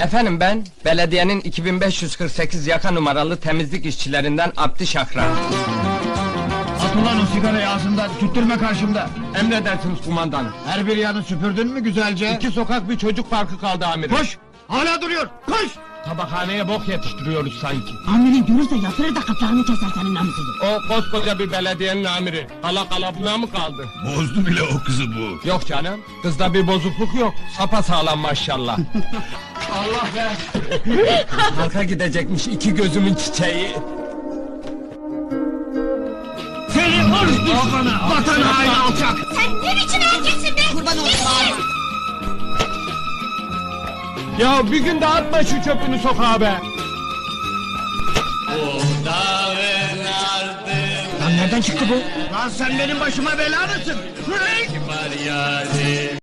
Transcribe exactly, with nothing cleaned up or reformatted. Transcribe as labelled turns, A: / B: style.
A: Efendim ben, belediyenin iki bin beş yüz kırk sekiz yaka numaralı temizlik işçilerinden Abdi Şakran.
B: At ulan o sigarayı ağzından, tüttürme karşımda.
A: Emredersiniz kumandanım.
B: Her bir yanı süpürdün mü güzelce?
A: İki sokak bir çocuk parkı kaldı amirim.
B: Koş! Hala duruyor, koş!
A: Tabakhaneye bok yetiştiriyoruz sanki.
C: Amirin görürse yatırır da kapağını keser senin namusuzu.
A: O koskoca bir belediyenin amiri. Kala kalabına mı kaldı?
D: Bozdu bile o kızı bu.
A: Yok canım, kızda bir bozukluk yok. Sapasağlam maşallah. Allah be! Halka gidecekmiş iki gözümün çiçeği.
B: Seni hırs düşmanı, vatan haini alçak!
C: Sen ne biçim erkeksin be? Kurban olsun.
A: Ya bir gün de atma şu çöpünü sokağa be!
B: Lan nereden çıktı bu? Lan sen benim başıma bela mısın?